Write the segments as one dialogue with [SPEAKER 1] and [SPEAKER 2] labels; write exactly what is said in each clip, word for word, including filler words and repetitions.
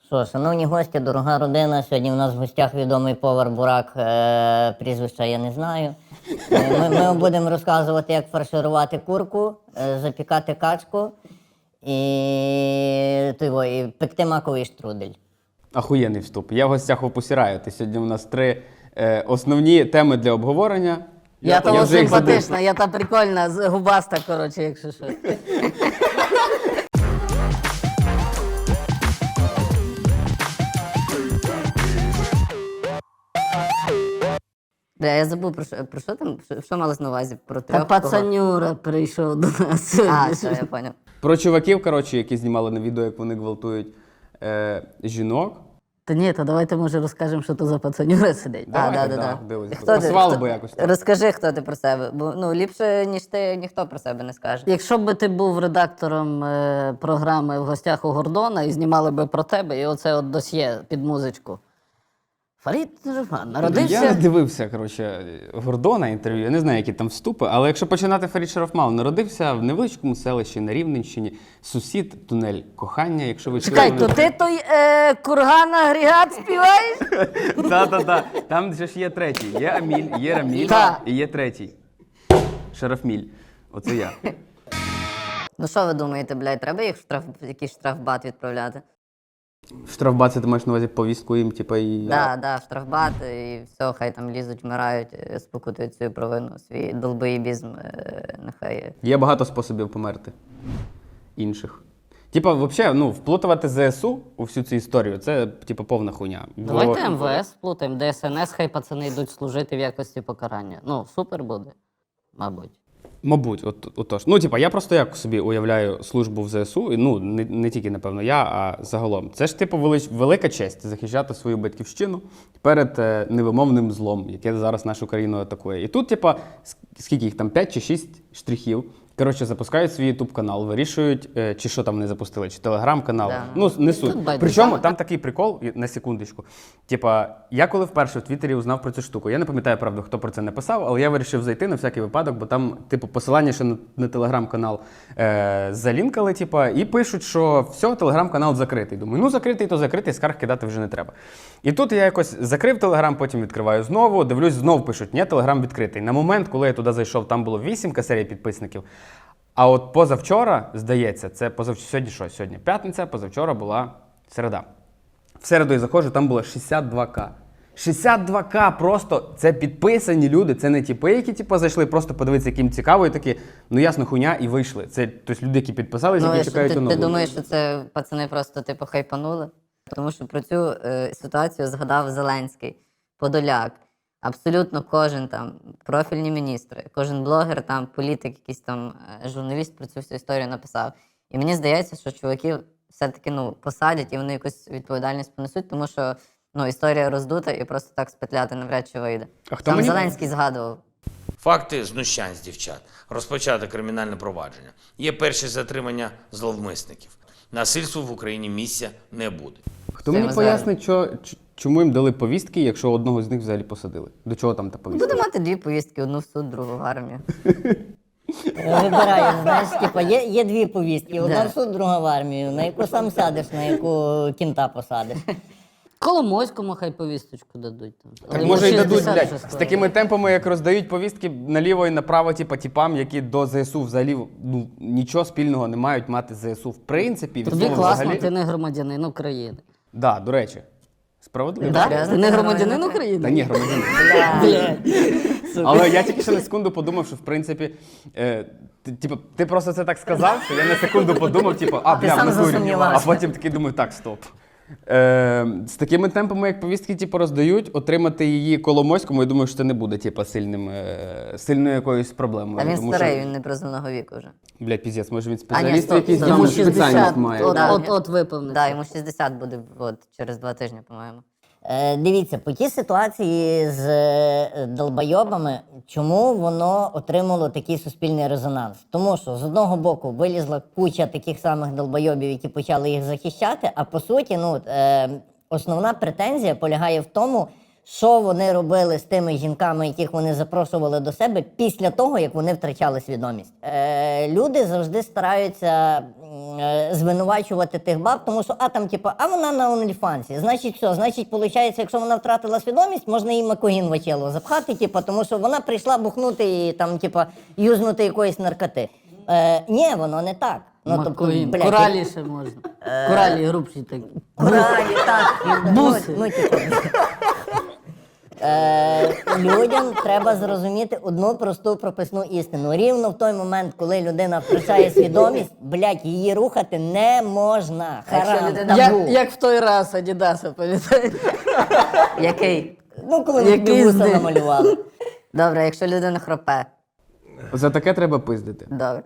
[SPEAKER 1] Що, шановні гості, дорога родина, сьогодні у нас в гостях відомий повар Бурак, е, прізвища я не знаю. Е, Ми, ми будемо розказувати, як фарширувати курку, е, запікати качку і, того, і пекти маковий штрудель.
[SPEAKER 2] Ахуєнний вступ. Я в гостях у Пусіраю. Сьогодні у нас три е, основні теми для обговорення.
[SPEAKER 3] Я, я того
[SPEAKER 2] вже їх забув.
[SPEAKER 3] симпатична, я та прикольна, з- губаста, коротше, якщо що.
[SPEAKER 4] Бля, я забув, про що, про що там, що, що малось на увазі? Про
[SPEAKER 3] Та
[SPEAKER 4] трьох кого?
[SPEAKER 3] пацанюра прийшов до нас.
[SPEAKER 4] А, все, я поняв.
[SPEAKER 2] Про чуваків, коротше, які знімали на відео, як вони гвалтують е, жінок.
[SPEAKER 3] Та ні, то давайте, може, розкажемо, що то за пацанюра сидить.
[SPEAKER 4] А,
[SPEAKER 2] Давайте,
[SPEAKER 4] да, да, да.
[SPEAKER 2] дивись,
[SPEAKER 4] Хто ти?
[SPEAKER 2] пасувало
[SPEAKER 4] Хто-
[SPEAKER 2] би якось так.
[SPEAKER 4] Розкажи, хто ти про себе. Бо ну, ліпше, ніж ти, ніхто про себе не скаже.
[SPEAKER 3] Якщо б ти був редактором е, програми «В гостях у Гордона» і знімали би про тебе, і оце от досьє під музичку. Фарід Жуфан народився...
[SPEAKER 2] Я не дивився, коротше, Гордона інтерв'ю, я не знаю, які там вступи, але якщо починати Фарід Шарафмал, народився в невеличкому селищі на Рівненщині, сусід, тунель кохання, якщо ви
[SPEAKER 3] Чекай,
[SPEAKER 2] чули,
[SPEAKER 3] то
[SPEAKER 2] вони-
[SPEAKER 3] ти той е, курган агрегат співаєш?
[SPEAKER 2] Та-та-та, там же ж є третій, є Аміль, є Раміль
[SPEAKER 3] Та.
[SPEAKER 2] і є третій. Шарафміль, оце я.
[SPEAKER 4] Ну що ви думаєте, блядь, треба їх в штраф, якийсь штрафбат відправляти?
[SPEAKER 2] Штрафбат, це ти маєш на увазі повістку їм, типу, і...
[SPEAKER 4] Да, да, в штрафбат, і все, хай там лізуть, вмирають, е, спокутують свою провину, свій долбоєбізм, е, нехай.
[SPEAKER 2] Є багато способів померти. Інших. Типа, взагалі, ну, вплутувати ЗСУ у всю цю історію, це, типу, повна хуйня. Бо-
[SPEAKER 3] Давайте ем ве ес плутаємо, де ес ен ес, хай пацани йдуть служити в якості покарання. Ну, супер буде, мабуть.
[SPEAKER 2] Мабуть, от, отож. Ну, типа, я просто як собі уявляю службу в ЗСУ, і, ну, не, не тільки, напевно, я, а загалом. Це ж, типу, велич, велика честь захищати свою батьківщину перед е, невимовним злом, яке зараз нашу країну атакує. І тут, типа, с- скільки їх там, п'ять чи шість штрихів, коротше, запускають свій ютуб-канал, вирішують, е, чи що там не запустили, чи телеграм-канал.
[SPEAKER 4] Да.
[SPEAKER 2] Ну, не суть.
[SPEAKER 3] Тут байдуже.
[SPEAKER 2] Причому там такий прикол, і- на секундочку. Типа, я коли вперше в Твіттері узнав про цю штуку, я не пам'ятаю, правда, хто про це написав, але я вирішив зайти на всякий випадок, бо там, типу, посилання ще на, на телеграм-канал е, залінкали, типа, і пишуть, що все, телеграм-канал закритий. Думаю, ну закритий, то закритий, скарг кидати вже не треба. І тут я якось закрив телеграм, потім відкриваю знову, дивлюсь, знов пишуть, ні, телеграм відкритий. На момент, коли я туди зайшов, там було вісімка серій підписників. А от позавчора, здається, це позавчора, сьогодні що? Сьогодні п'ятниця, позавчора була середа. В середу я заходжу, там було шістдесят два ка. шістдесят два ка просто, це підписані люди, це не типи, які типу, зайшли, просто подивитися, яким цікаво, і такі, ну ясно, хуйня, і вийшли. Це тобто, люди, які підписалися,
[SPEAKER 4] Ну,
[SPEAKER 2] які
[SPEAKER 4] і що,
[SPEAKER 2] чекають
[SPEAKER 4] ти, ти
[SPEAKER 2] оновлення.
[SPEAKER 4] думаєш, що це пацани просто типу хайпанули? Тому що про цю е, ситуацію згадав Зеленський, Подоляк. Абсолютно кожен там, профільні міністри, кожен блогер, там, політик, якийсь там е, журналіст про цю всю історію написав. І мені здається, що чуваків все-таки ну, посадять і вони якусь відповідальність понесуть, тому що ну, історія роздута і просто так спетляти навряд чи вийде.
[SPEAKER 2] А хто
[SPEAKER 4] Там
[SPEAKER 2] мені-
[SPEAKER 4] Зеленський згадував.
[SPEAKER 5] Факти знущань з дівчат. Розпочато кримінальне провадження. Є перші затримання зловмисників. Насильству в Україні місця не буде.
[SPEAKER 2] Хто
[SPEAKER 4] Це
[SPEAKER 2] мені
[SPEAKER 4] ми
[SPEAKER 2] пояснить, що, ч- чому їм дали повістки, якщо одного з них взагалі посадили? До чого там та повістка?
[SPEAKER 4] Буде мати дві повістки: одну в суд, другу в армію.
[SPEAKER 1] Вибираю, знаєш, типа, є, є дві повістки, одна
[SPEAKER 4] Да.
[SPEAKER 1] в суд, друга в армію, на яку сам сядеш, на яку кінта посадиш.
[SPEAKER 3] Коломойському хай повісточку дадуть. Там.
[SPEAKER 2] Так
[SPEAKER 3] Але
[SPEAKER 2] може і
[SPEAKER 3] йому
[SPEAKER 2] дадуть,
[SPEAKER 3] шістдесят
[SPEAKER 2] блядь,
[SPEAKER 3] вже
[SPEAKER 2] з
[SPEAKER 3] скоро.
[SPEAKER 2] такими темпами, як роздають повістки наліво і направо, типа, типам, які до ЗСУ взагалі ну, нічого спільного не мають мати з ЗСУ. В принципі, від
[SPEAKER 3] Тобі
[SPEAKER 2] слова
[SPEAKER 3] класно,
[SPEAKER 2] взагалі...
[SPEAKER 3] ти не громадянин України.
[SPEAKER 2] Да, до речі. Справедливо.
[SPEAKER 3] Да?
[SPEAKER 4] серйозно?
[SPEAKER 3] Ти не
[SPEAKER 4] Ти
[SPEAKER 3] громадянин
[SPEAKER 4] нормально?
[SPEAKER 3] України?
[SPEAKER 2] Та ні, громадянин.
[SPEAKER 3] Блядь.
[SPEAKER 2] Але я тільки що на секунду подумав, що в принципі, е, ти, типу, ти просто це так сказав, що я на секунду подумав, типу, а,
[SPEAKER 4] Ти
[SPEAKER 2] бля,
[SPEAKER 4] сам
[SPEAKER 2] в натурі.
[SPEAKER 4] засумнівався.
[SPEAKER 2] А потім такий думаю, так, стоп. Е, з такими темпами, як повістки типу, роздають, отримати її Коломойському, я думаю, що це не буде типу, сильним, е, сильною якоюсь проблемою.
[SPEAKER 4] А він
[SPEAKER 2] тому
[SPEAKER 4] старий,
[SPEAKER 2] що,
[SPEAKER 4] він не призовного віку вже.
[SPEAKER 2] блядь, піздець, може він
[SPEAKER 4] А, ні,
[SPEAKER 2] спеціаліст
[SPEAKER 4] стоп,
[SPEAKER 2] якийсь,
[SPEAKER 4] стоп.
[SPEAKER 2] йому
[SPEAKER 3] Йому
[SPEAKER 2] спеціальність
[SPEAKER 3] шістдесят,
[SPEAKER 2] має.
[SPEAKER 3] от,
[SPEAKER 4] Да.
[SPEAKER 3] от, от виповниться.
[SPEAKER 4] Так, йому шістдесят буде от, через два тижні, по-моєму.
[SPEAKER 1] Е, дивіться, по тій ситуації з е, долбойобами, чому воно отримало такий суспільний резонанс? Тому що з одного боку вилізла куча таких самих долбойобів, які почали їх захищати, а по суті, ну, е, основна претензія полягає в тому, що вони робили з тими жінками, яких вони запрошували до себе після того, як вони втрачали свідомість. Е, люди завжди стараються м, е, звинувачувати тих баб, тому що, а там, типу, а вона на OnlyFans. Значить, що? Значить, виходить, якщо вона втратила свідомість, можна їй макогін в очело запхати, типу, тому що вона прийшла бухнути і там, типу, юзнути якоїсь наркоти. Е, ні, воно не так. Ну, тобто,
[SPEAKER 3] Макогін.
[SPEAKER 1] блядь,
[SPEAKER 3] Коралі ще можна. Коралі грубші такі.
[SPEAKER 1] Коралі, так.
[SPEAKER 3] Буси.
[SPEAKER 1] Ну, ну, типу. Е, людям треба зрозуміти одну просту прописну істину. Рівно в той момент, коли людина втрачає свідомість, блядь, її рухати не можна.
[SPEAKER 4] Якщо
[SPEAKER 1] Харам,
[SPEAKER 4] людина-
[SPEAKER 1] табу.
[SPEAKER 3] Як, як в той раз Адідаса, пам'ятаєте?
[SPEAKER 4] Який?
[SPEAKER 1] Ну, коли ми
[SPEAKER 3] Який
[SPEAKER 1] тобі вуса
[SPEAKER 3] здих.
[SPEAKER 1] намалювали.
[SPEAKER 4] Добре, якщо людина хропе.
[SPEAKER 2] За таке треба пиздити.
[SPEAKER 4] Добре.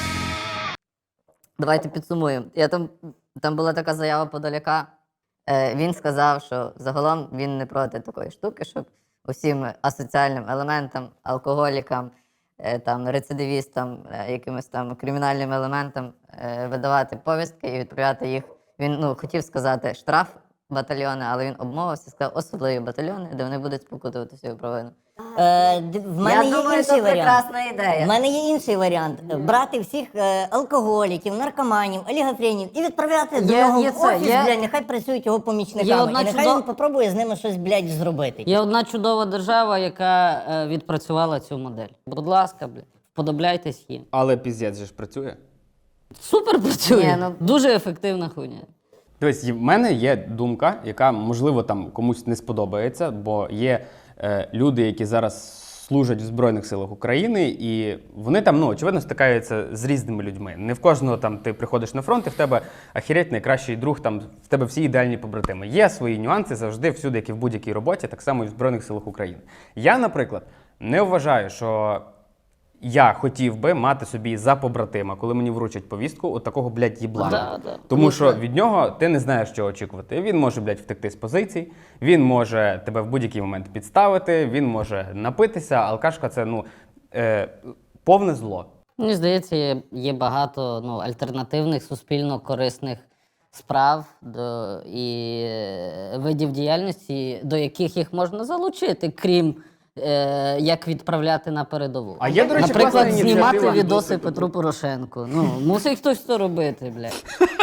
[SPEAKER 4] Давайте підсумуємо. Я там, там була така заява Подоляка. Е, він сказав, що загалом він не проти такої штуки, щоб усім асоціальним елементам, алкоголікам, е, там, рецидивістам, е, якимось там кримінальним елементам е, видавати повістки і відправляти їх. Він ну, хотів сказати штраф батальйони, але він обмовився, сказав особливі батальйони, де вони будуть спокутувати свою провину.
[SPEAKER 1] Е, д- в мене
[SPEAKER 4] Я
[SPEAKER 1] є
[SPEAKER 4] думаю,
[SPEAKER 1] інший
[SPEAKER 4] це
[SPEAKER 1] варіант.
[SPEAKER 4] прекрасна
[SPEAKER 1] У
[SPEAKER 4] ідея.
[SPEAKER 1] мене є інший варіант. Брати всіх е, алкоголіків, наркоманів, олігофренів і відправляти до
[SPEAKER 3] Є-
[SPEAKER 1] нього
[SPEAKER 3] є
[SPEAKER 1] в
[SPEAKER 3] це,
[SPEAKER 1] офіс,
[SPEAKER 3] є-
[SPEAKER 1] блядь, нехай працюють його помічниками.
[SPEAKER 3] Є одна
[SPEAKER 1] І нехай
[SPEAKER 3] чудо-
[SPEAKER 1] він попробує з ними щось, блядь, зробити.
[SPEAKER 3] Є одна чудова держава, яка е, відпрацювала цю модель. Будь ласка, блядь, вподобляйтесь їм.
[SPEAKER 2] Але піздець же ж працює.
[SPEAKER 3] Супер працює.
[SPEAKER 4] Ні, ну-
[SPEAKER 3] Дуже ефективна хуйня.
[SPEAKER 2] Дивись, в мене є думка, яка, можливо, там комусь не сподобається, бо є е, люди, які зараз служать в Збройних силах України, і вони там, ну, очевидно, стикаються з різними людьми. Не в кожного там ти приходиш на фронт, і в тебе ахіреть найкращий друг, там в тебе всі ідеальні побратими. Є свої нюанси завжди, всюди, як і в будь-якій роботі, так само і в Збройних силах України. Я, наприклад, не вважаю, що я хотів би мати собі за побратима, коли мені вручать повістку, от такого, блядь, їблана.
[SPEAKER 3] Да, да.
[SPEAKER 2] Тому що від нього ти не знаєш, що очікувати. Він може, блядь, втекти з позицій, він може тебе в будь-який момент підставити, він може напитися. Алкашка – це, ну, е, повне зло.
[SPEAKER 3] Мені здається, є, є багато ну, альтернативних суспільно корисних справ до, і е, видів діяльності, до яких їх можна залучити, крім е, як відправляти на передову.
[SPEAKER 2] А є, до речі,
[SPEAKER 3] Наприклад,
[SPEAKER 2] класна
[SPEAKER 3] знімати
[SPEAKER 2] ініціатива.
[SPEAKER 3] відоси Петру Порошенку. Ну, мусить хтось це робити, блядь.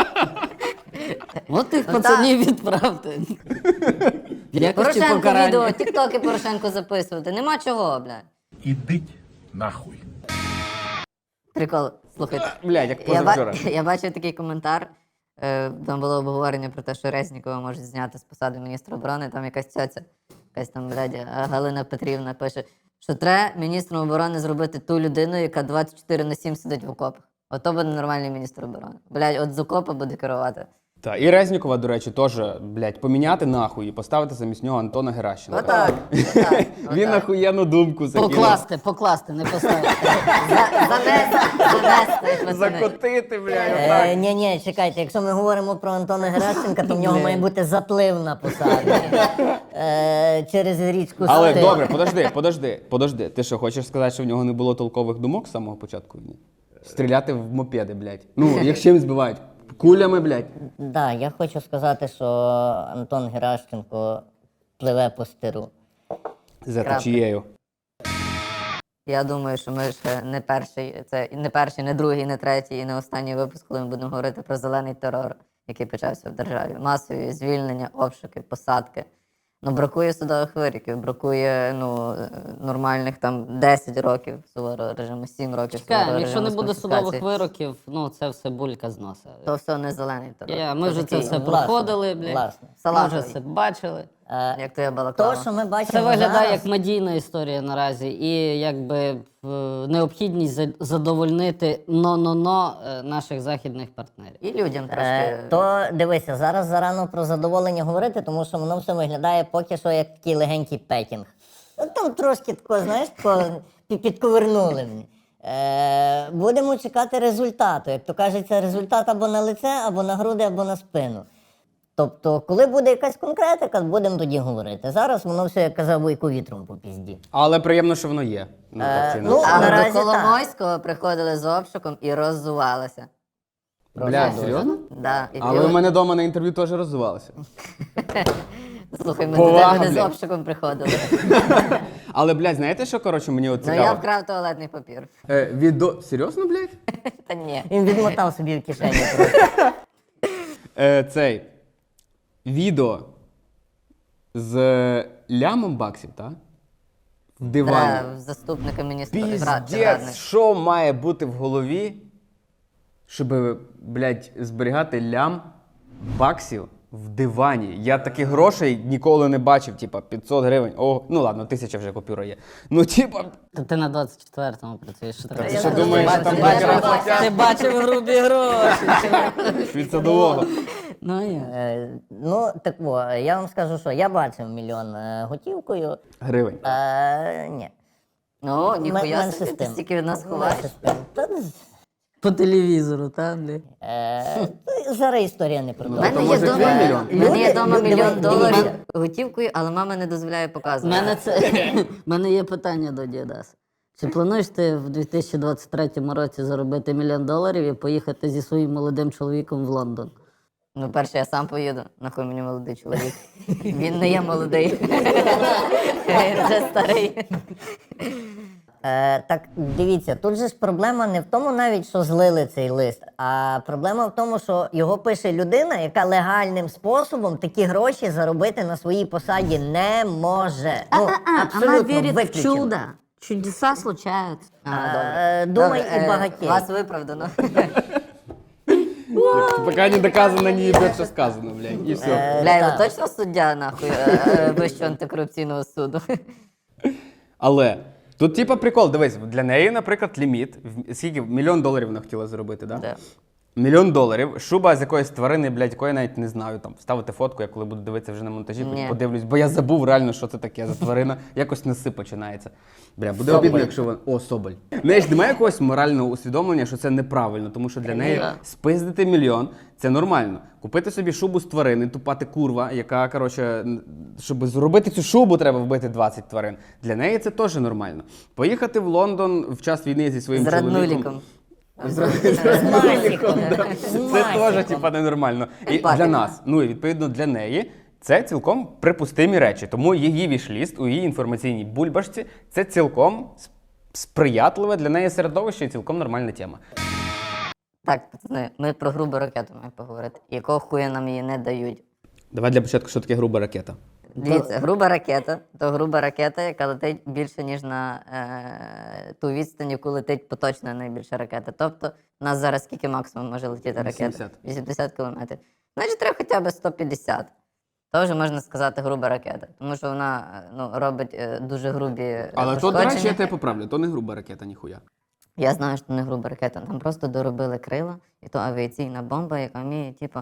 [SPEAKER 3] От тих
[SPEAKER 4] Ну,
[SPEAKER 3] пацанів відправте. В якості
[SPEAKER 4] Порошенко
[SPEAKER 3] покарання.
[SPEAKER 4] відео, тіктоки Порошенко записувати. Нема чого, бля.
[SPEAKER 6] Ідіть нахуй.
[SPEAKER 4] Прикол, слухайте.
[SPEAKER 2] Блядь, як
[SPEAKER 4] Я, ба-
[SPEAKER 2] позавчора.
[SPEAKER 4] я бачив такий коментар. Е, там було обговорення про те, що Резнікова можуть зняти з посади міністра оборони. Там якась цьоця, якась там, блядь, Галина Петрівна пише, що треба міністром оборони зробити ту людину, яка двадцять чотири на сім сидить в окопах. Ото буде нормальний міністр оборони. Блядь, от з окопа буде керувати.
[SPEAKER 2] Та, і Резнікова, до речі, теж, блядь, поміняти нахуй і поставити замість нього Антона Геращенка.
[SPEAKER 4] Отак. отак,
[SPEAKER 2] Він
[SPEAKER 4] отак.
[SPEAKER 2] охуєнну думку закинув.
[SPEAKER 3] Покласти, покласти, не поставити.
[SPEAKER 4] За- Занести, занести, як пацани.
[SPEAKER 2] Закотити, блядь,
[SPEAKER 1] Е,
[SPEAKER 2] отак.
[SPEAKER 1] ні, ні, чекайте, якщо ми говоримо про Антона Геращенка, то в нього має бути заплив на посаді. Е, через річку
[SPEAKER 2] Але
[SPEAKER 1] Стир.
[SPEAKER 2] добре, подожди, подожди, подожди. Ти що, хочеш сказати, що в нього не було толкових думок з самого початку війни? Стріляти в мопеди, блядь. Ну, як чим збивають? Кулями, блядь.
[SPEAKER 1] Да, я хочу сказати, що Антон Геращенко пливе по стиру.
[SPEAKER 2] За
[SPEAKER 4] Крапка.
[SPEAKER 2] течією.
[SPEAKER 4] Я думаю, що ми ще не перший, це не перший, не другий, не третій і не останній випуск, коли ми будемо говорити про зелений терор, який почався в державі. Масові звільнення, обшуки, посадки. Ну, бракує судових вироків, бракує ну, е, нормальних там десять років суворого режиму, сім років
[SPEAKER 3] Чекаємо,
[SPEAKER 4] суворого
[SPEAKER 3] якщо не
[SPEAKER 4] режиму з
[SPEAKER 3] буде судових
[SPEAKER 4] конфіскації.
[SPEAKER 3] вироків, ну це все булька з носа.
[SPEAKER 4] То все не зелений терор.
[SPEAKER 3] Я, ми вже це
[SPEAKER 4] такий,
[SPEAKER 3] все
[SPEAKER 1] Власне,
[SPEAKER 3] проходили, блядь.
[SPEAKER 1] власне.
[SPEAKER 3] Ми вже
[SPEAKER 4] Салатовий.
[SPEAKER 3] це бачили.
[SPEAKER 1] Е,
[SPEAKER 4] Як то я
[SPEAKER 1] то,
[SPEAKER 4] балаклава.
[SPEAKER 1] що ми бачимо
[SPEAKER 3] Це виглядає
[SPEAKER 1] зараз,
[SPEAKER 3] як медійна історія наразі, і якби е, необхідність за- задовольнити но-но-но е, наших західних партнерів.
[SPEAKER 4] І людям трошки.
[SPEAKER 1] Е, то дивися, зараз зарано про задоволення говорити, тому що воно все виглядає поки що як такий легенький пекінг. Ну, там трошки тако, знаєш, тако пі- підковернули мені. Е, будемо чекати результату. Як то кажеться, результат або на лице, або на груди, або на спину. Тобто, коли буде якась конкретика, будемо тоді говорити. Зараз воно все, як казав Вуйко, вітром по пізді.
[SPEAKER 2] Але приємно, що воно є. Ну, так чи
[SPEAKER 1] ну,
[SPEAKER 2] інакше.
[SPEAKER 4] Але
[SPEAKER 1] наразі
[SPEAKER 4] до Коломойського приходили з обшуком і роззувалися.
[SPEAKER 2] Бля, серйозно?
[SPEAKER 4] Да. І,
[SPEAKER 2] Але
[SPEAKER 4] і-
[SPEAKER 2] у мене вдома на інтерв'ю теж розвивалося.
[SPEAKER 4] Слухай, ми
[SPEAKER 2] Повага,
[SPEAKER 4] до тебе не з
[SPEAKER 2] блядь.
[SPEAKER 4] обшуком приходили.
[SPEAKER 2] Але, блядь, знаєте, що, коротше, мені от
[SPEAKER 4] Ну
[SPEAKER 2] цікаво?
[SPEAKER 4] я вкрав туалетний папір.
[SPEAKER 2] Е, відо... Серйозно, блядь?
[SPEAKER 4] Та ні.
[SPEAKER 1] Він відмотав собі в кишені просто.
[SPEAKER 2] Е, цей відео з лямом баксів, так? В дивані.
[SPEAKER 4] Та, заступника міністра. рад-
[SPEAKER 2] Піздець,
[SPEAKER 4] радник.
[SPEAKER 2] що має бути в голові, щоб, блядь, зберігати лям баксів в дивані? Я таких грошей ніколи не бачив, типа п'ятсот гривень. О, ну ладно, тисяча вже купюра є. Ну, типа,
[SPEAKER 3] Та ти на двадцять четвертому працюєш. Що
[SPEAKER 2] ти
[SPEAKER 3] треба?
[SPEAKER 2] що думаєш, що там
[SPEAKER 4] Я
[SPEAKER 2] бакерам
[SPEAKER 4] не
[SPEAKER 2] платять
[SPEAKER 3] Ти бачив грубі гроші.
[SPEAKER 2] від садового?
[SPEAKER 3] Ну, є.
[SPEAKER 1] Е, Ну, так во, я вам скажу, що я бачив мільйон е, готівкою.
[SPEAKER 2] Гривень.
[SPEAKER 1] Е, ні.
[SPEAKER 4] Ну, ніхуя
[SPEAKER 1] Менше
[SPEAKER 4] собі,
[SPEAKER 1] з
[SPEAKER 4] ти
[SPEAKER 1] тим.
[SPEAKER 4] стільки від нас ховаєш.
[SPEAKER 1] Менше з тим. Та,
[SPEAKER 3] По телевізору, так, блядь?
[SPEAKER 1] е, Зараз історія не про
[SPEAKER 4] У
[SPEAKER 1] то.
[SPEAKER 4] мене
[SPEAKER 2] то
[SPEAKER 4] є
[SPEAKER 2] може
[SPEAKER 4] дома,
[SPEAKER 2] твій мільйон?
[SPEAKER 4] в мене є
[SPEAKER 1] Люди-
[SPEAKER 4] дома
[SPEAKER 1] люди-
[SPEAKER 4] мільйон
[SPEAKER 1] дивіться.
[SPEAKER 4] доларів готівкою, але мама не дозволяє
[SPEAKER 3] У
[SPEAKER 4] показувати.
[SPEAKER 3] мене це в мене є питання до Дідас. Чи плануєш ти в дві тисячі двадцять третьому році заробити мільйон доларів і поїхати зі своїм молодим чоловіком в Лондон?
[SPEAKER 4] Ну, перше, я сам поїду. Нахуй мені молодий чоловік. Він не є молодий. Він вже старий.
[SPEAKER 1] Е, так дивіться, тут же ж проблема не в тому навіть, що злили цей лист, а проблема в тому, що його пише людина, яка легальним способом такі гроші заробити на своїй посаді не може. Ну, абсолютно виключено.
[SPEAKER 3] Чудеса случаються.
[SPEAKER 4] А, добре.
[SPEAKER 1] Е, Думай
[SPEAKER 4] Добре,
[SPEAKER 1] і
[SPEAKER 4] е,
[SPEAKER 1] багатій.
[SPEAKER 4] Вас виправдано.
[SPEAKER 2] Поки не доказано, ні блядь, що сказано, блядь. І все.
[SPEAKER 4] Бля,
[SPEAKER 1] так.
[SPEAKER 4] ви точно суддя, нахуй, е, е, Вищого антикорупційного суду?
[SPEAKER 2] Але тут, типа, прикол, дивись, для неї, наприклад, ліміт. в- Скільки? Мільйон доларів вона хотіла заробити, так? Да?
[SPEAKER 4] Да.
[SPEAKER 2] Мільйон доларів, шуба з якоїсь тварини, блядь, якої я навіть не знаю. Там вставити фотку, я коли буду дивитися вже на монтажі,
[SPEAKER 4] Ні.
[SPEAKER 2] подивлюсь, бо я забув реально, що це таке за тварина. Якось неси починається. Бля, буде
[SPEAKER 1] Соболь.
[SPEAKER 2] обідно, якщо вона. О, соболь. В неї ж немає якогось морального усвідомлення, що це неправильно, тому що для неї спиздити мільйон це нормально. Купити собі шубу з тварини, тупати курва, яка, коротше, н- щоб зробити цю шубу, треба вбити двадцять тварин. Для неї це теж нормально. Поїхати в Лондон в час війни зі своїм
[SPEAKER 4] З
[SPEAKER 2] чоловіком.
[SPEAKER 4] раднуліком.
[SPEAKER 1] З Масіком. З
[SPEAKER 2] Це
[SPEAKER 1] Масіком.
[SPEAKER 2] теж типа ненормально. І
[SPEAKER 4] Патіка.
[SPEAKER 2] для нас, ну і відповідно для неї, це цілком припустимі речі. Тому її вішліст у її інформаційній бульбашці це цілком с- сприятливе для неї середовище і цілком нормальна тема.
[SPEAKER 4] Так, пацани, ми про грубу ракету маємо поговорити. Якого хуя нам її не дають?
[SPEAKER 2] Давай для початку, що таке груба ракета.
[SPEAKER 4] Дивіться, груба ракета то груба ракета, яка летить більше, ніж на е, ту відстань, яку летить поточна найбільша ракета. Тобто, у нас зараз скільки максимум може летіти ракета?
[SPEAKER 2] вісімдесят.
[SPEAKER 4] вісімдесят кілометрів. Значить, треба хоча б сто п'ятдесят. То вже можна сказати груба ракета, тому що вона е, ну, робить е, дуже грубі е,
[SPEAKER 2] Але то, до речі, я
[SPEAKER 4] пошкодження.
[SPEAKER 2] тебе поправлю, то не груба ракета, ніхуя.
[SPEAKER 4] Я знаю, що не груба ракета. Там просто доробили крила, і то авіаційна бомба, яка вміє, типу,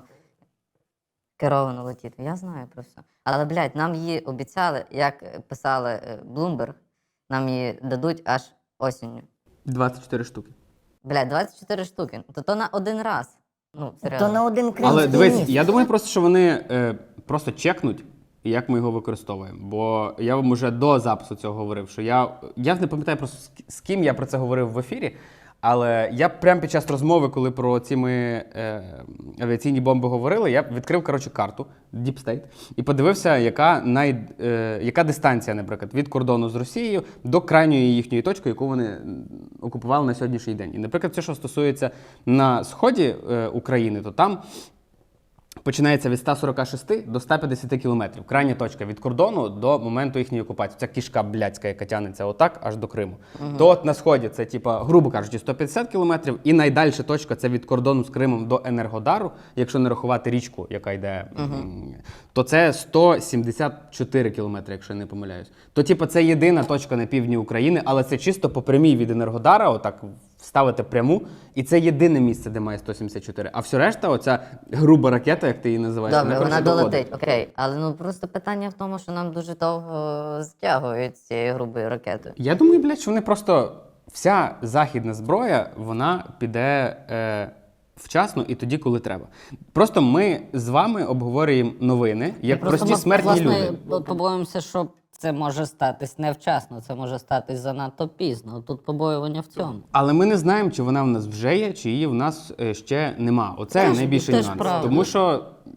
[SPEAKER 4] керовано летіти. Я знаю про все. Але, блядь, нам її обіцяли, як писали е, Bloomberg, нам її дадуть аж осінню.
[SPEAKER 2] двадцять чотири штуки.
[SPEAKER 4] Блядь, двадцять чотири штуки. То то на один раз. Ну, серйозно.
[SPEAKER 1] То на один
[SPEAKER 2] Але
[SPEAKER 1] кримський
[SPEAKER 2] дивись,
[SPEAKER 1] міст.
[SPEAKER 2] я думаю просто, що вони е, просто чекнуть, як ми його використовуємо. Бо я вам уже до запису цього говорив, що я. Я не пам'ятаю просто з ки- з ким я про це говорив в ефірі. Але я прямо під час розмови, коли про ці ми е, авіаційні бомби говорили, я відкрив коротше карту Deep State і подивився, яка най, е, яка дистанція, наприклад, від кордону з Росією до крайньої їхньої точки, яку вони м, окупували на сьогоднішній день. І, наприклад, все, що стосується на сході е, України, то там починається від ста сорока шести до ста п'ятдесяти кілометрів. Крайня точка від кордону до моменту їхньої окупації. Ця кішка блядська, яка тягнеться отак аж до Криму. То от на сході це, типа, грубо кажучи, сто п'ятдесят кілометрів, і найдальша точка це від кордону з Кримом до Енергодару, якщо не рахувати річку, яка йде, м, то це сто сімдесят чотири кілометри, якщо я не помиляюсь. То, типа, це єдина точка на півдні України, але це чисто по прямій від Енергодара, отак вставити пряму, і це єдине місце, де має сто сімдесят чотири. А все решта, оця груба ракета, як ти її називаєш,
[SPEAKER 4] Добре, вона
[SPEAKER 2] коротше, доходить.
[SPEAKER 4] долетить, окей. Але ну просто питання в тому, що нам дуже довго затягують з цією грубою ракетою.
[SPEAKER 2] Я думаю, блядь, що вони просто вся західна зброя, вона піде е, вчасно і тоді, коли треба. Просто ми з вами обговорюємо новини, як
[SPEAKER 3] Просто
[SPEAKER 2] прості
[SPEAKER 3] ми,
[SPEAKER 2] смертні
[SPEAKER 3] власне,
[SPEAKER 2] люди.
[SPEAKER 3] по- побоїмося, що це може статись невчасно, це може статись занадто пізно. Тут побоювання в цьому.
[SPEAKER 2] Але ми не знаємо, чи вона в нас вже є, чи її в нас е, ще нема. Оце
[SPEAKER 3] Теж-
[SPEAKER 2] найбільший
[SPEAKER 3] теж
[SPEAKER 2] нюанс.
[SPEAKER 3] правда.
[SPEAKER 2] Тому що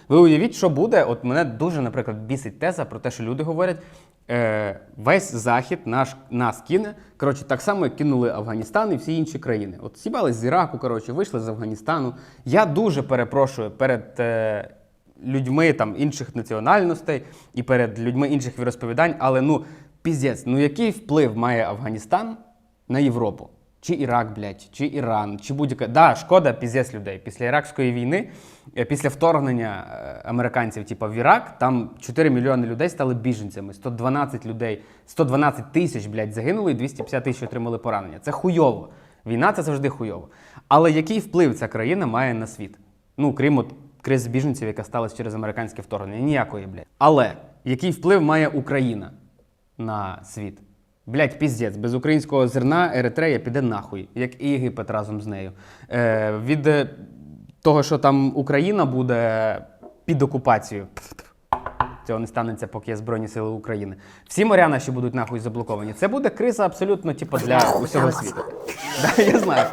[SPEAKER 2] Ви уявіть, що буде. От мене дуже, наприклад, бісить теза про те, що люди говорять, е, весь Захід наш, нас кине. Коротше, так само, як кинули Афганістан і всі інші країни. От сібались з Іраку, коротше, вийшли з Афганістану. Я дуже перепрошую перед е, людьми там, інших національностей і перед людьми інших віросповідань, але ну, піздець, ну який вплив має Афганістан на Європу? Чи Ірак, блядь, чи Іран, чи будь-яка. Да, шкода, піздець людей. Після Іракської війни, е, після вторгнення е, американців, типу, в Ірак, там чотири мільйони людей стали біженцями, сто дванадцять людей, сто дванадцять тисяч, блядь, загинули і двісті п'ятдесят тисяч отримали поранення. Це хуйово. Війна – це завжди хуйово. Але який вплив ця країна має на світ? Ну, крім от кризи біженців, яка сталася через американське вторгнення. Ніякої, блядь. Але який вплив має Україна на світ? Блять, піздець, без українського зерна Еритрея піде нахуй, як і Єгипет разом з нею. Е, від е, того, що там Україна буде під окупацією, цього не станеться, поки є Збройні Сили України. Всі моря наші будуть нахуй заблоковані. Це буде криза абсолютно, типу, для усього світу. Да, я знаю.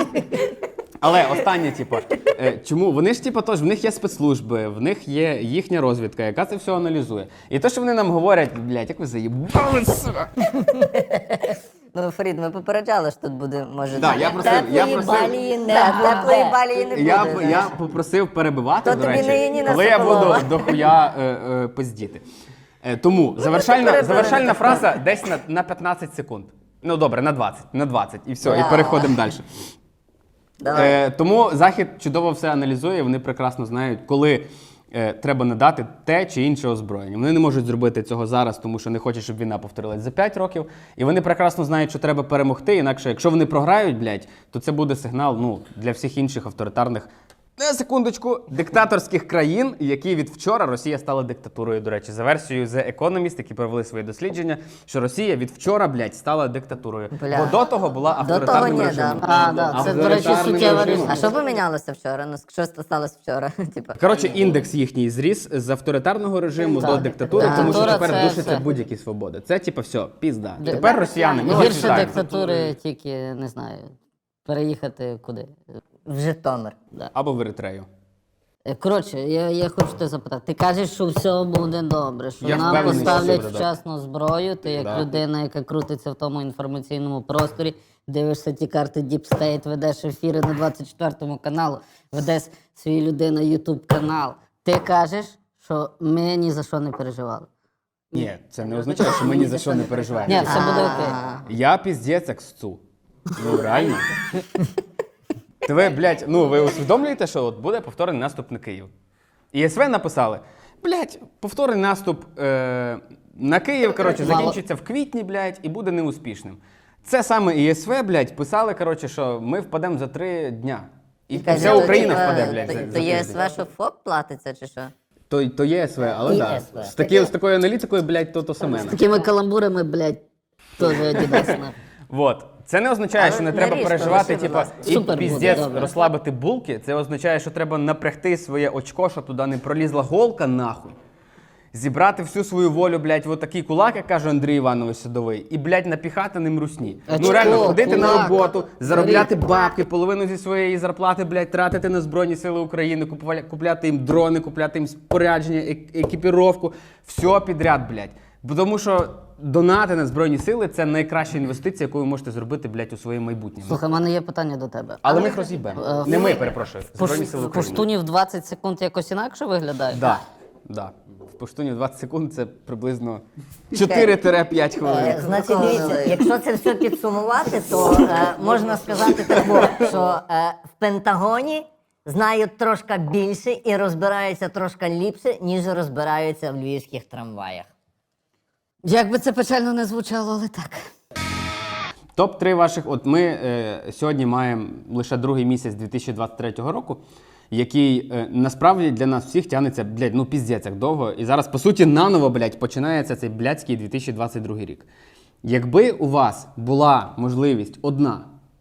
[SPEAKER 2] Але останнє, типу, е, чому? Вони ж, типу, тож, в них є спецслужби, в них є їхня розвідка, яка це все аналізує. І те, що вони нам говорять, блядь, як ви заїбали, сука.
[SPEAKER 4] Ну, Фарід, ми попереджали, що тут буде, може...
[SPEAKER 2] Да, я просив, я
[SPEAKER 1] Теплої
[SPEAKER 2] просив,
[SPEAKER 1] балії не
[SPEAKER 4] Да,
[SPEAKER 1] буде.
[SPEAKER 4] теплої балії не буде.
[SPEAKER 2] я,
[SPEAKER 4] знаєш.
[SPEAKER 2] я попросив перебивати,
[SPEAKER 4] То
[SPEAKER 2] до
[SPEAKER 4] тобі
[SPEAKER 2] речі,
[SPEAKER 4] не Яніна
[SPEAKER 2] коли я
[SPEAKER 4] Соколова.
[SPEAKER 2] буду дохуя е, е, пиздіти. Е, тому завершальна,
[SPEAKER 4] перебили.
[SPEAKER 2] завершальна фраза десь на, на п'ятнадцять секунд. Ну добре, на двадцять, на двадцять, і все,
[SPEAKER 4] Да.
[SPEAKER 2] і переходимо далі.
[SPEAKER 4] Давай.
[SPEAKER 2] Е, тому Захід чудово все аналізує, вони прекрасно знають, коли е, треба надати те чи інше озброєння. Вони не можуть зробити цього зараз, тому що не хочуть, щоб війна повторилась за п'ять років. І вони прекрасно знають, що треба перемогти, інакше, якщо вони програють, блядь, то це буде сигнал, ну, для всіх інших авторитарних, на секундочку, диктаторських країн, які від вчора Росія стала диктатурою, до речі, за версією The Economist, які провели свої дослідження, що Росія від вчора, блядь, стала диктатурою.
[SPEAKER 4] Бля.
[SPEAKER 2] Бо до того була
[SPEAKER 4] До того
[SPEAKER 2] авторитарним
[SPEAKER 4] ні,
[SPEAKER 2] режимом.
[SPEAKER 4] да.
[SPEAKER 3] А, да, це, до речі,
[SPEAKER 2] Авторитарним
[SPEAKER 3] суттєва
[SPEAKER 2] режимом.
[SPEAKER 4] А що помінялося вчора? Ну, що сталося вчора? Типа.
[SPEAKER 2] Коротше, індекс їхній зріс з авторитарного режиму
[SPEAKER 3] Так.
[SPEAKER 2] до диктатури,
[SPEAKER 4] Так.
[SPEAKER 2] тому що
[SPEAKER 3] Диктатура
[SPEAKER 2] тепер
[SPEAKER 3] це
[SPEAKER 2] душаться
[SPEAKER 3] все.
[SPEAKER 2] будь-які свободи. Це, типу, все, пізда.
[SPEAKER 3] Ди-
[SPEAKER 2] Тепер росіяни, ми вас
[SPEAKER 3] Гірше
[SPEAKER 2] вітаємо.
[SPEAKER 3] диктатури тільки, не знаю, переїхати куди.
[SPEAKER 1] В Житомир.
[SPEAKER 2] Або в Еритрею.
[SPEAKER 3] Е, Коротше, я, я хочу тебе запитати. Ти кажеш, що все буде добре, що
[SPEAKER 2] Я
[SPEAKER 3] нам
[SPEAKER 2] впевнений, що
[SPEAKER 3] поставлять
[SPEAKER 2] все буде
[SPEAKER 3] вчасно зброю. Ти як
[SPEAKER 2] Да.
[SPEAKER 3] людина, яка крутиться в тому інформаційному просторі, дивишся ті карти Deep State, ведеш ефіри на двадцять четвертому каналу, ведеш свій людина YouTube канал. Ти кажеш, що ми ні за що не переживали.
[SPEAKER 2] Ні, це не означає, що ми ні за що не переживаємо.
[SPEAKER 3] Ні, все буде окей.
[SPEAKER 2] Я піздець як сцу. Ну, реально. Та ви, блядь, ну ви усвідомлюєте, що от буде повторний наступ на Київ. І ес ве написали, блядь, повторний наступ е, на Київ, коротше,
[SPEAKER 3] Мало.
[SPEAKER 2] закінчиться в квітні, блядь, і буде неуспішним. Це саме і ес ве, блядь, писали, коротше, що ми впадемо за три дня. І вся Україна впаде, блядь, за,
[SPEAKER 4] То,
[SPEAKER 2] за
[SPEAKER 4] то є
[SPEAKER 2] тиждень.
[SPEAKER 4] ес ве, що ФОП платиться, чи що?
[SPEAKER 2] То, то є ес ве, але
[SPEAKER 1] І
[SPEAKER 2] так.
[SPEAKER 1] ес ве.
[SPEAKER 2] З, такі, з такою аналітикою, блядь, то то саме.
[SPEAKER 3] З такими каламбурами, блядь, теж Adidas. на-
[SPEAKER 2] Вот. Це не означає,
[SPEAKER 4] Але
[SPEAKER 2] що не
[SPEAKER 4] не
[SPEAKER 2] треба
[SPEAKER 4] ріж,
[SPEAKER 2] переживати,
[SPEAKER 4] полиши, будь
[SPEAKER 2] типа,
[SPEAKER 4] ласка.
[SPEAKER 2] і
[SPEAKER 3] Супер буде,
[SPEAKER 2] піздець
[SPEAKER 3] добре.
[SPEAKER 2] розслабити булки. Це означає, що треба напрягти своє очко, щоб туди не пролізла голка, нахуй. Зібрати всю свою волю, блядь, в отакий кулак, як каже Андрій Іванович Садовий, і, блядь, напіхати ним русні.
[SPEAKER 3] А
[SPEAKER 2] ну
[SPEAKER 3] чого?
[SPEAKER 2] реально, ходити на
[SPEAKER 3] Кулак.
[SPEAKER 2] роботу, заробляти бабки, половину зі своєї зарплати, блядь, тратити на Збройні Сили України, купувати- купляти їм дрони, купляти їм спорядження, ек- екіпіровку, все підряд, блядь. Бо тому що донати на Збройні Сили – це найкраща інвестиція, яку ви можете зробити, блядь, у своє майбутнє.
[SPEAKER 3] Слухай, в мене є питання до тебе.
[SPEAKER 2] Але ми їх роз'їбемо.
[SPEAKER 3] Е,
[SPEAKER 2] Не ми,
[SPEAKER 3] в-
[SPEAKER 2] перепрошую. Збройні Сили
[SPEAKER 3] Пош-
[SPEAKER 2] України.
[SPEAKER 3] Поштунів двадцять секунд якось інакше виглядає?
[SPEAKER 2] Да, да. В поштуні двадцять секунд це приблизно чотири-п'ять хвилин.
[SPEAKER 1] Е, Значить, дивіться, якщо це все підсумувати, то е, можна сказати так, що е, в Пентагоні знають трошки більше і розбираються трошки ліпше, ніж розбираються в львівських трамваях.
[SPEAKER 3] Як би це печально не звучало, але так.
[SPEAKER 2] Топ три ваших. От ми е, сьогодні маємо лише другий місяць дві тисячі двадцять третього року, який е, насправді для нас всіх тягнеться, блядь, ну піздець як довго. І зараз, по суті, наново, блядь, починається цей блядський дві тисячі двадцять другий рік. Якби у вас була можливість одна,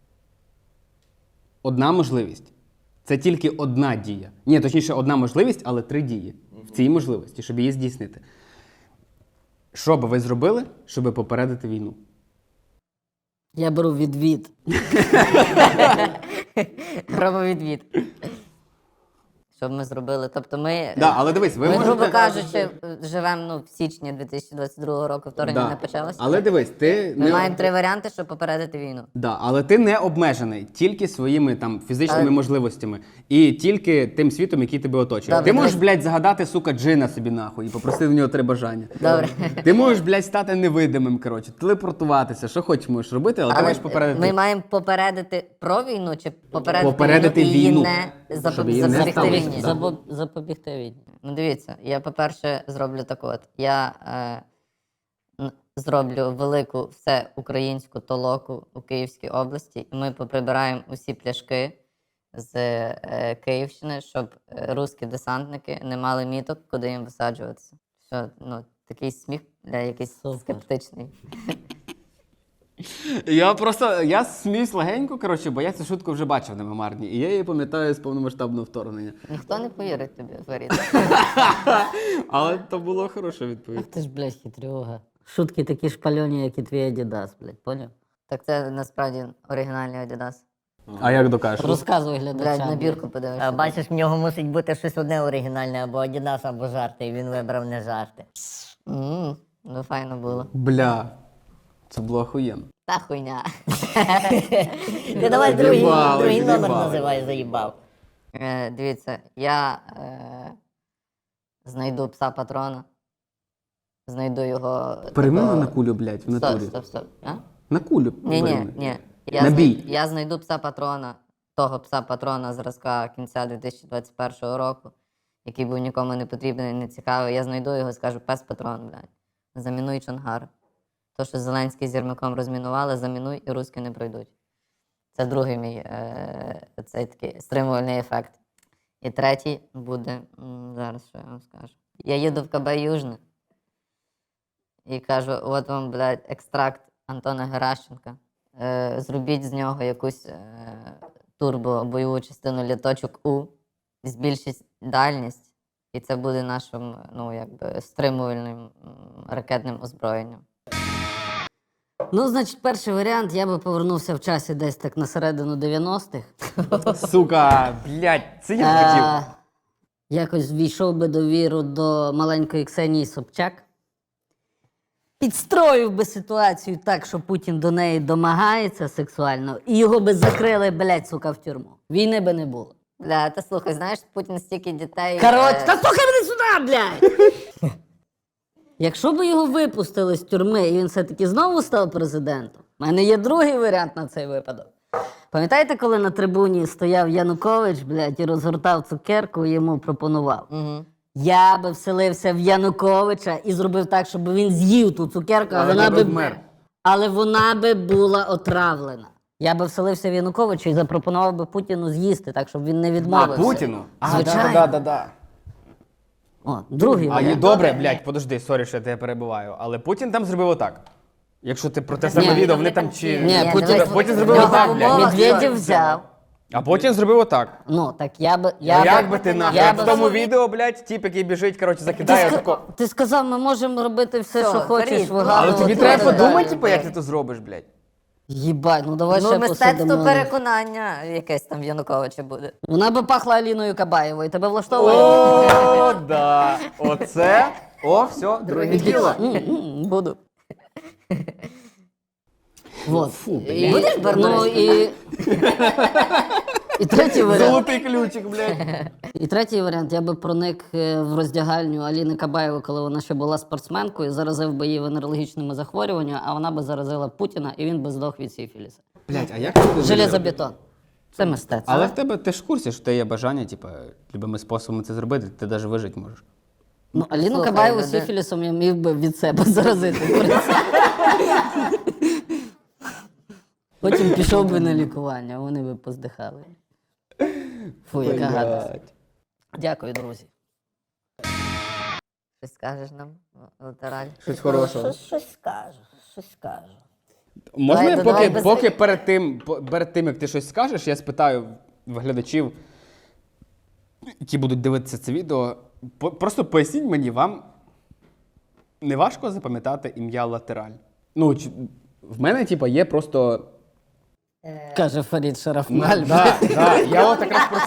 [SPEAKER 2] одна можливість, це тільки одна дія. Ні, точніше, одна можливість, але три дії в цій можливості, щоб її здійснити. Що би ви зробили, щоб попередити війну?
[SPEAKER 3] Я беру відвід.
[SPEAKER 4] Робив відвід. Щоб ми зробили. Тобто ми,
[SPEAKER 2] Да, але дивись, ви
[SPEAKER 4] ми
[SPEAKER 2] можете...
[SPEAKER 4] грубо кажучи, живемо ну, в січні дві тисячі двадцять другого року, вторгнення
[SPEAKER 2] Да.
[SPEAKER 4] не почалося.
[SPEAKER 2] Але дивись, ти
[SPEAKER 4] Ми
[SPEAKER 2] не...
[SPEAKER 4] маємо три варіанти, щоб попередити війну.
[SPEAKER 2] Да, але ти не обмежений тільки своїми там фізичними
[SPEAKER 4] Але-
[SPEAKER 2] можливостями і тільки тим світом, який тебе оточує.
[SPEAKER 4] Добре,
[SPEAKER 2] ти можеш,
[SPEAKER 4] дивись.
[SPEAKER 2] блядь, загадати, сука, джина собі нахуй і попросити в нього три бажання.
[SPEAKER 4] Добре.
[SPEAKER 2] Ти можеш, блядь, стати невидимим, коротше, телепортуватися, що хочеш можеш робити, але, ти
[SPEAKER 4] Але
[SPEAKER 2] маєш попередити.
[SPEAKER 4] ми маємо попередити про війну чи попередити,
[SPEAKER 2] Попередити
[SPEAKER 4] війну і її
[SPEAKER 2] війну.
[SPEAKER 4] не запоб-
[SPEAKER 2] Щоб її не
[SPEAKER 4] запобігти
[SPEAKER 2] сталося.
[SPEAKER 4] війні.
[SPEAKER 2] Да.
[SPEAKER 3] Забо- Запобігти війні.
[SPEAKER 4] Ну дивіться, я, по-перше, зроблю так от. Я е, н- зроблю велику всеукраїнську толоку у Київській області, і ми поприбираємо усі пляшки з е, Київщини, щоб е, русські десантники не мали міток, куди їм висаджуватися. Що, ну, такий сміх для якийсь
[SPEAKER 3] Супер.
[SPEAKER 4] скептичний.
[SPEAKER 2] Я просто, я сміюсь легенько, коротше, бо я цю шутку вже бачив на мемарні, і я її пам'ятаю з повномасштабного вторгнення.
[SPEAKER 4] Ніхто не повірить тобі, Фарід.
[SPEAKER 2] Але то було хороша відповідь.
[SPEAKER 3] Ах ти ж, блядь, хитрюга. Шутки такі шпальоні, як і твій Адідас, блядь, поняв?
[SPEAKER 4] Так це насправді оригінальний Adidas.
[SPEAKER 2] А як докажеш?
[SPEAKER 3] Розказуй
[SPEAKER 4] Блядь,
[SPEAKER 3] глядачам.
[SPEAKER 4] набірку
[SPEAKER 1] А,
[SPEAKER 4] подивишся.
[SPEAKER 1] бачиш, в нього мусить бути щось одне оригінальне, або Adidas, або жарти, і він вибрав не жарти.
[SPEAKER 4] М, Ну, файно було.
[SPEAKER 2] Бля, це було охуєнно.
[SPEAKER 4] Та хуйня.
[SPEAKER 1] Ти давай другий,
[SPEAKER 2] Заїбали,
[SPEAKER 1] другий номер
[SPEAKER 2] заїбали.
[SPEAKER 1] називай, заїбав.
[SPEAKER 4] Е, дивіться, я е, знайду пса патрона. Знайду його.
[SPEAKER 2] Переймемо
[SPEAKER 4] такого-
[SPEAKER 2] на кулю, блядь, в
[SPEAKER 4] Стоп,
[SPEAKER 2] натурі.
[SPEAKER 4] стоп, стоп. А?
[SPEAKER 2] На кулю.
[SPEAKER 4] Ні, ні,
[SPEAKER 2] перейми.
[SPEAKER 4] ні. Я,
[SPEAKER 2] На
[SPEAKER 4] знай-
[SPEAKER 2] бій.
[SPEAKER 4] я знайду пса патрона, того пса патрона зразка кінця дві тисячі двадцять першого року, який був нікому не потрібний, не цікавий. Я знайду його і скажу: пес патрон, блядь. Замінуй Чонгар. То, що Зеленський з Єрмаком розмінували, замінуй і русські не пройдуть. Це другий мій е, цей такий стримувальний ефект. І третій буде, м, зараз що я вам скажу. Я їду в КБ Южне і кажу: от вам, блядь, екстракт Антона Геращенка. Е, зробіть з нього якусь е, турбо-бойову частину літочок У, збільшіть дальність, і це буде нашим, ну, якби, стримувальним м, ракетним озброєнням.
[SPEAKER 3] Ну, значить, перший варіант, я би повернувся в часі десь так на середину дев'яностих.
[SPEAKER 2] Сука, блядь, це я б хотів.
[SPEAKER 3] Е, Якось ввійшов би довіру до маленької Ксенії Собчак. Підстроїв би ситуацію так, що Путін до неї домагається сексуально, і його би закрили, блядь, сука, в тюрму. Війни би не було.
[SPEAKER 4] Бля, та слухай, знаєш, Путін стільки дітей.
[SPEAKER 3] Коротше,
[SPEAKER 4] е,
[SPEAKER 3] та слухай мене сюди, блядь! Якщо б його випустили з тюрми, і він все-таки знову став президентом, в мене є другий варіант на цей випадок. Пам'ятаєте, коли на трибуні стояв Янукович, блядь, і розгортав цукерку і йому пропонував?
[SPEAKER 4] Мгм.
[SPEAKER 3] Я би вселився в Януковича і зробив так, щоб він з'їв ту цукерку, а
[SPEAKER 2] Але
[SPEAKER 3] вона
[SPEAKER 2] не
[SPEAKER 3] би
[SPEAKER 2] вмер.
[SPEAKER 3] але вона би була отравлена. Я би вселився в Януковича і запропонував би Путіну з'їсти, так, щоб він не
[SPEAKER 2] А,
[SPEAKER 3] відмовився.
[SPEAKER 2] Путіну? А,
[SPEAKER 3] Звичайно.
[SPEAKER 2] да, да, да, да.
[SPEAKER 3] О, другий
[SPEAKER 2] А є
[SPEAKER 3] варіант.
[SPEAKER 2] добре, блядь, подожди, сорі, що я тебе перебиваю. Але Путін там зробив отак. Якщо ти про те саме
[SPEAKER 3] Ні.
[SPEAKER 2] відео, вони там чи.
[SPEAKER 3] Ні,
[SPEAKER 4] Ні,
[SPEAKER 3] Путін,
[SPEAKER 4] дивись,
[SPEAKER 2] Путін
[SPEAKER 4] в
[SPEAKER 2] зробив
[SPEAKER 4] нього
[SPEAKER 2] отак,
[SPEAKER 4] в
[SPEAKER 2] блядь.
[SPEAKER 4] умовах
[SPEAKER 3] Медведєв
[SPEAKER 4] що-
[SPEAKER 3] взяв.
[SPEAKER 2] А потім зробив отак.
[SPEAKER 3] Ну, так я би... Я
[SPEAKER 2] А
[SPEAKER 3] би-
[SPEAKER 2] як би ти нахуй?
[SPEAKER 3] я
[SPEAKER 2] В
[SPEAKER 3] би-
[SPEAKER 2] тому відео, блядь, тіп, який біжить, коротше,
[SPEAKER 3] Ти,
[SPEAKER 2] закидає
[SPEAKER 3] ска-
[SPEAKER 2] тако.
[SPEAKER 3] ти сказав, ми можемо робити все,
[SPEAKER 4] Все,
[SPEAKER 3] що хочеш,
[SPEAKER 4] Фарід,
[SPEAKER 3] вигадувати.
[SPEAKER 2] Але тобі
[SPEAKER 4] ну,
[SPEAKER 2] треба
[SPEAKER 4] ну,
[SPEAKER 2] подумати,
[SPEAKER 4] да,
[SPEAKER 2] типу,
[SPEAKER 4] да.
[SPEAKER 2] як ти то зробиш, блядь.
[SPEAKER 3] Їбать, ну давай
[SPEAKER 4] Ну,
[SPEAKER 3] ще
[SPEAKER 4] мистецтво
[SPEAKER 3] посидимо.
[SPEAKER 4] переконання якесь там в Януковича буде.
[SPEAKER 3] Вона би пахла Аліною Кабаєвою. Тебе влаштовує?
[SPEAKER 2] О, да. Оце. О, все, друге діло.
[SPEAKER 3] М-м, Буду. Вот. І-
[SPEAKER 4] Будеш
[SPEAKER 3] Ну
[SPEAKER 4] Барбарис?
[SPEAKER 3] і... І третій варіант.
[SPEAKER 2] Золотий ключик, блядь.
[SPEAKER 3] І третій варіант, я би проник е, в роздягальню Аліни Кабаєвої, коли вона ще була спортсменкою, заразив би її венерологічними захворюваннями, а вона би заразила Путіна, і він би здох від сифіліса.
[SPEAKER 2] Блядь, а як ти будеш?
[SPEAKER 3] Железобетон. Це мистецтво.
[SPEAKER 2] Але в тебе ти ж в курсі, що в тебе є бажання, типу, любими способами це зробити, ти навіть вижити можеш.
[SPEAKER 3] Ну, Аліну
[SPEAKER 4] Слухай,
[SPEAKER 3] Кабаєву
[SPEAKER 4] люди-
[SPEAKER 3] сифілісом я міг би від себе заразити. в принципі. Потім пішов би на лікування, вони би поздихали. Фу, яка гадость. Дякую, друзі.
[SPEAKER 4] Щось скажеш нам, латераль?
[SPEAKER 2] Щось хорошого.
[SPEAKER 1] Щось, щось скажу, щось скажу.
[SPEAKER 2] Можна
[SPEAKER 4] Давай,
[SPEAKER 2] я
[SPEAKER 4] давай,
[SPEAKER 2] поки,
[SPEAKER 4] без-
[SPEAKER 2] поки перед, тим, по- перед тим, як ти щось скажеш, я спитаю в глядачів, які будуть дивитися це відео, по- просто поясніть мені, вам не важко запам'ятати ім'я Латераль? Ну, чи- в мене, типа, є просто...
[SPEAKER 3] Каже Фарід Шарафналь.
[SPEAKER 2] Да, да, я от якраз про це,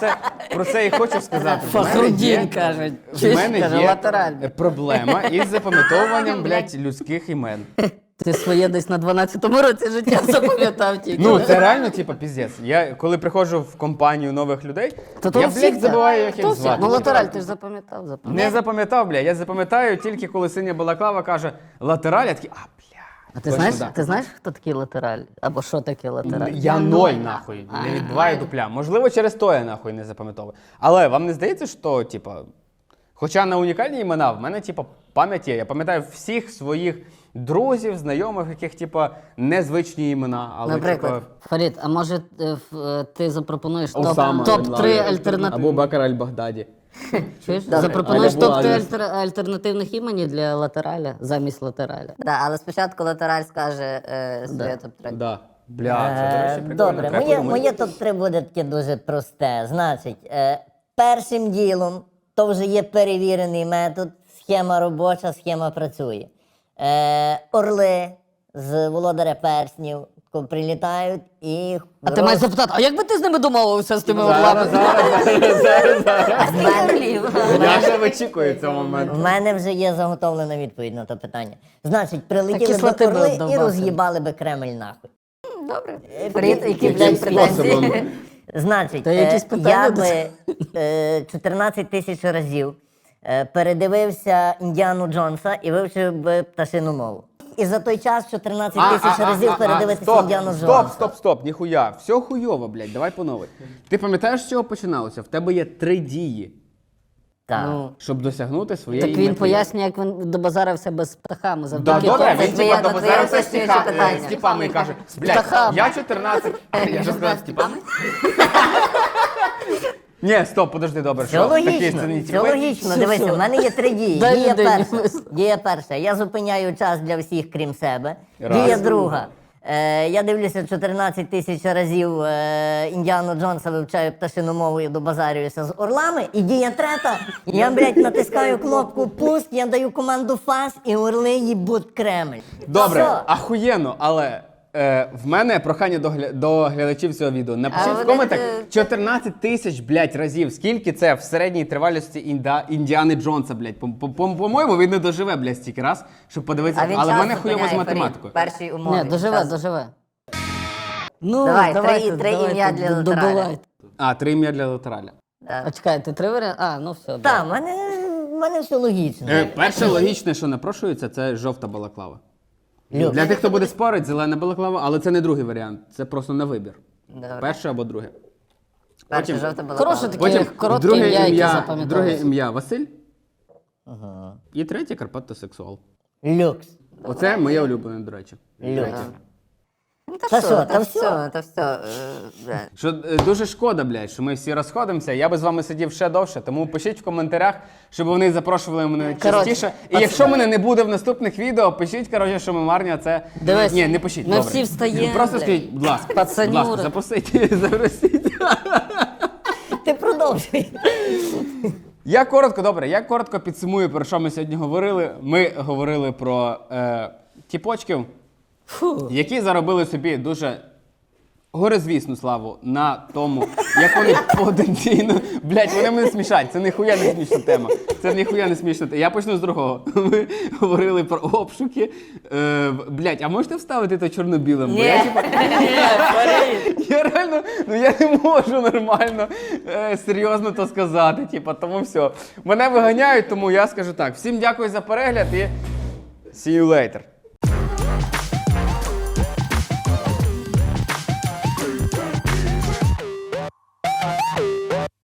[SPEAKER 2] про це і хочу сказати. В мене
[SPEAKER 3] Фахрудін,
[SPEAKER 2] є-
[SPEAKER 3] кажуть.
[SPEAKER 2] В
[SPEAKER 3] Чуєш,
[SPEAKER 2] мене
[SPEAKER 3] каже,
[SPEAKER 2] є
[SPEAKER 3] латеральний.
[SPEAKER 2] проблема із запам'ятовуванням, блядь, людських імен.
[SPEAKER 3] Ти своє десь на дванадцятому році життя запам'ятав тільки.
[SPEAKER 2] Ну, це реально, типа, піздець. Я коли приходжу в компанію нових людей,
[SPEAKER 3] То то
[SPEAKER 2] я,
[SPEAKER 3] у всіх
[SPEAKER 2] блядь,
[SPEAKER 3] це.
[SPEAKER 2] забуваю, як
[SPEAKER 3] То
[SPEAKER 2] їх
[SPEAKER 3] всіх.
[SPEAKER 2] звати.
[SPEAKER 3] Ну,
[SPEAKER 2] типа.
[SPEAKER 3] латераль, ти ж запам'ятав, запам'ятав.
[SPEAKER 2] Не запам'ятав, блядь. Я запам'ятаю тільки коли синя балаклава каже латераль, я такий, а, бля.
[SPEAKER 3] А ти
[SPEAKER 2] точно,
[SPEAKER 3] знаєш,
[SPEAKER 2] да.
[SPEAKER 3] ти знаєш, хто такий латераль? Або що таке латераль?
[SPEAKER 2] Я ноль, нахуй, не відбиваю дупля. Можливо, через то я нахуй не запам'ятовую. Але вам не здається, що, типа, хоча на унікальні імена, в мене, типа, пам'ять є. Я пам'ятаю всіх своїх друзів, знайомих, яких, типа, незвичні імена. Але,
[SPEAKER 3] Наприклад,
[SPEAKER 2] типа,
[SPEAKER 3] Фарід, а може е, ф- е, ти запропонуєш топ,
[SPEAKER 2] Осама
[SPEAKER 3] топ три
[SPEAKER 2] Бен Ладен.
[SPEAKER 3] альтернативи?
[SPEAKER 2] Або Бакар аль-Багдаді.
[SPEAKER 3] Чуєш? Запропонуєш
[SPEAKER 2] Або
[SPEAKER 3] топ три
[SPEAKER 2] Аліс.
[SPEAKER 3] альтер- альтернативних імені для латераля замість латераля.
[SPEAKER 4] Да, але спочатку латераль скаже е, своє топ-три.
[SPEAKER 2] Да. Бля, це, до
[SPEAKER 1] Е,
[SPEAKER 2] речі, прикольно.
[SPEAKER 1] Добре,
[SPEAKER 2] Треба
[SPEAKER 1] моє,
[SPEAKER 2] подумати.
[SPEAKER 1] моє топ-три буде таке дуже просте. Значить, е, першим ділом то вже є перевірений метод, схема робоча, схема працює. Е, орли з володаря перснів тако прилітають і.
[SPEAKER 3] А ти маєш запитати, а як би ти з ними домовився з тими
[SPEAKER 2] Зараз,
[SPEAKER 3] орлами?
[SPEAKER 2] зараз, зараз, зараз, зараз.
[SPEAKER 4] З мене
[SPEAKER 2] Я вже вичікую цього моменту.
[SPEAKER 1] В мене вже є заготовлена відповідь на то питання. Значить, прилетіли
[SPEAKER 3] кислоти
[SPEAKER 1] би
[SPEAKER 3] би
[SPEAKER 1] орли і
[SPEAKER 3] вдовбався.
[SPEAKER 1] роз'їбали би Кремль нахуй.
[SPEAKER 4] Добре. Фарід, які,
[SPEAKER 2] Яким
[SPEAKER 4] блядь,
[SPEAKER 2] способом?
[SPEAKER 4] претензії?
[SPEAKER 1] Значить,
[SPEAKER 3] Та якісь
[SPEAKER 1] е,
[SPEAKER 3] питання
[SPEAKER 1] я
[SPEAKER 3] до
[SPEAKER 1] би е, чотирнадцять тисяч разів е, передивився Індіану Джонса і вивчив би пташину мову. І за той час чотирнадцять тисяч разів передивитися
[SPEAKER 2] стоп,
[SPEAKER 1] Індіану
[SPEAKER 2] стоп,
[SPEAKER 1] Джонса.
[SPEAKER 2] стоп, стоп, ніхуя. Все хуйово, блядь, давай по новій. Ти пам'ятаєш, з чого починалося? В тебе є три дії,
[SPEAKER 1] Так.
[SPEAKER 3] Ну,
[SPEAKER 2] щоб досягнути своєї
[SPEAKER 3] так він
[SPEAKER 2] мети.
[SPEAKER 3] пояснює, як він добазарився без птахами
[SPEAKER 2] Да,
[SPEAKER 3] завдяки
[SPEAKER 2] добре,
[SPEAKER 3] тому.
[SPEAKER 2] він
[SPEAKER 4] твоє-
[SPEAKER 2] типа
[SPEAKER 4] твоє
[SPEAKER 2] добазарився з
[SPEAKER 4] уточнююче
[SPEAKER 2] тіха-
[SPEAKER 4] питання.
[SPEAKER 2] з тіпами і каже, блядь,
[SPEAKER 3] птахами.
[SPEAKER 2] я чотирнадцять... Я вже сказав з тіпами? Ні, стоп, подожди, добре,
[SPEAKER 1] Все
[SPEAKER 2] що? Такі
[SPEAKER 1] логічно,
[SPEAKER 2] це не
[SPEAKER 1] все
[SPEAKER 2] тіпи?
[SPEAKER 1] логічно. Дивися, в мене є три дії.
[SPEAKER 3] Дай
[SPEAKER 1] Дія
[SPEAKER 3] людині
[SPEAKER 1] перша.
[SPEAKER 3] висловити.
[SPEAKER 1] Дія перша. Я зупиняю час для всіх, крім себе.
[SPEAKER 2] Раз.
[SPEAKER 1] Дія друга. Е, я дивлюся чотирнадцять тисяч разів е, Індіану Джонса, вивчаю пташину мову і добазарююся з орлами. І дія третя. Я, блядь, натискаю кнопку пуск, я даю команду фас і орли їбуть Кремль.
[SPEAKER 2] Добре,
[SPEAKER 1] Все.
[SPEAKER 2] ахуєнно, але е, в мене прохання до, гля... до глядачів цього відео. Напишіть
[SPEAKER 4] А
[SPEAKER 2] в
[SPEAKER 4] вони,
[SPEAKER 2] коментах
[SPEAKER 4] е,
[SPEAKER 2] чотирнадцять тисяч, блядь, разів. Скільки це в середній тривалості інда... Індіани Джонса, блядь. По- по- по- По-моєму, він не доживе, блядь, стільки раз, щоб подивитися.
[SPEAKER 4] А він
[SPEAKER 2] Але в
[SPEAKER 4] час
[SPEAKER 2] мене хуйово з
[SPEAKER 4] зупиняє, Фарід,
[SPEAKER 2] математикою.
[SPEAKER 4] першій умові.
[SPEAKER 3] Ні, доживе,
[SPEAKER 4] Час.
[SPEAKER 3] доживе. Ну,
[SPEAKER 4] Давай, три-
[SPEAKER 3] давайте,
[SPEAKER 4] три
[SPEAKER 3] давайте,
[SPEAKER 4] ім'я для
[SPEAKER 3] д-
[SPEAKER 4] латераля.
[SPEAKER 3] добивайте.
[SPEAKER 2] А, три ім'я для латераля.
[SPEAKER 3] А чекай, ти три варіанти? А, ну все.
[SPEAKER 1] Так, в мене, в мене все логічно.
[SPEAKER 2] Е, перше логічне, що напрошується, це жовта балаклава.
[SPEAKER 1] Люк.
[SPEAKER 2] Для тих, хто буде спорити, зелена балаклава, але це не другий варіант. Це просто на вибір.
[SPEAKER 4] Добре.
[SPEAKER 2] Перше або друге.
[SPEAKER 4] Перше
[SPEAKER 2] потім-
[SPEAKER 4] жовта була.
[SPEAKER 3] Хороше таке
[SPEAKER 2] Потім
[SPEAKER 3] коротке
[SPEAKER 2] друге
[SPEAKER 3] ім'я, яке
[SPEAKER 2] ім'я, друге
[SPEAKER 3] запам'яталося.
[SPEAKER 2] ім'я Василь. І третє Карпатосексуал.
[SPEAKER 1] Люкс.
[SPEAKER 2] Оце моє улюблене, до речі.
[SPEAKER 1] Люкс.
[SPEAKER 4] Ну, та
[SPEAKER 1] Та
[SPEAKER 4] що,
[SPEAKER 1] що,
[SPEAKER 4] та
[SPEAKER 1] та
[SPEAKER 4] все, та все. е, бля.
[SPEAKER 2] Що е, дуже шкода, блядь, що ми всі розходимося. Я би з вами сидів ще довше, тому пишіть в коментарях, щоб вони запрошували мене
[SPEAKER 3] Коротше,
[SPEAKER 2] частіше. І якщо мене не буде в наступних відео, пишіть, коротше, що ми марні, а це.
[SPEAKER 3] Дивись,
[SPEAKER 2] Ні, не пишіть.
[SPEAKER 3] ми
[SPEAKER 2] добре.
[SPEAKER 3] всі встаємо,
[SPEAKER 2] Просто
[SPEAKER 3] блядь.
[SPEAKER 2] скажіть, будь ласка, будь
[SPEAKER 3] Пацанюри.
[SPEAKER 2] ласка, запросіть, запросіть.
[SPEAKER 1] Ти продовжуй.
[SPEAKER 2] Я коротко, добре, я коротко підсумую, про що ми сьогодні говорили. Ми говорили про е, тіпочків, які заробили собі дуже горизвісну славу на тому, як вони потенційно. Блять, вони мене смішать. Це ніхуя не смішна тема. Це ніхуя не смішна тема. Я почну з другого. Ми говорили про обшуки. Е, блять, а можете вставити то чорно-білим? Бо я, типа, я реально, ну я не можу нормально, е, серйозно то сказати. Типа, тому все. Мене виганяють, тому я скажу так. Всім дякую за перегляд і see you later.